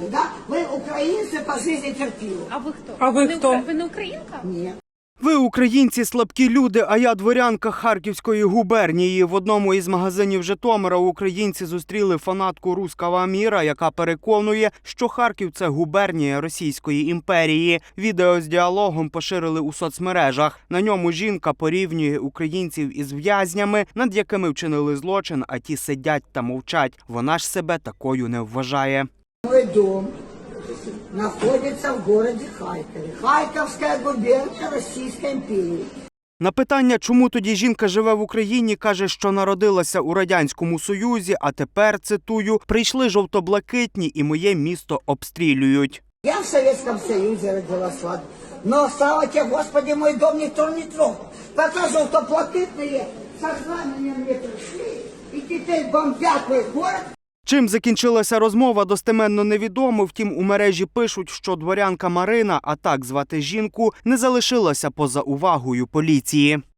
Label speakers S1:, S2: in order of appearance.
S1: да? Вы украинцы по жизни терпили.
S2: А ви хто?
S3: А ви хто?
S2: Ви не українка?
S1: Нет.
S4: Ви, українці, слабкі люди, а я дворянка Харківської губернії. В одному із магазинів Житомира українці зустріли фанатку «Русского міра», яка переконує, що Харків – це губернія Російської імперії. Відео з діалогом поширили у соцмережах. На ньому жінка порівнює українців із в'язнями, над якими вчинили злочин, а ті сидять та мовчать. Вона ж себе такою не вважає.
S1: Мой дом находится в городе Харькове. Харьковская губерния Российской империи.
S4: На питання, чому тоді жінка живе в Україні, каже, що народилася у Радянському Союзі, а тепер, цитую, «прийшли жовто-блакитні і моє місто обстрілюють».
S1: Я в Советском Союзе родилась, ладно. Но, слава тебе, Господи, мой дом никто не трогал. Пока желтоплакитные со знаменем не пришли, и теперь бомбят мой город.
S4: Чим закінчилася розмова, достеменно невідомо. Втім, у мережі пишуть, що дворянка Марина, а так звати жінку, не залишилася поза увагою поліції.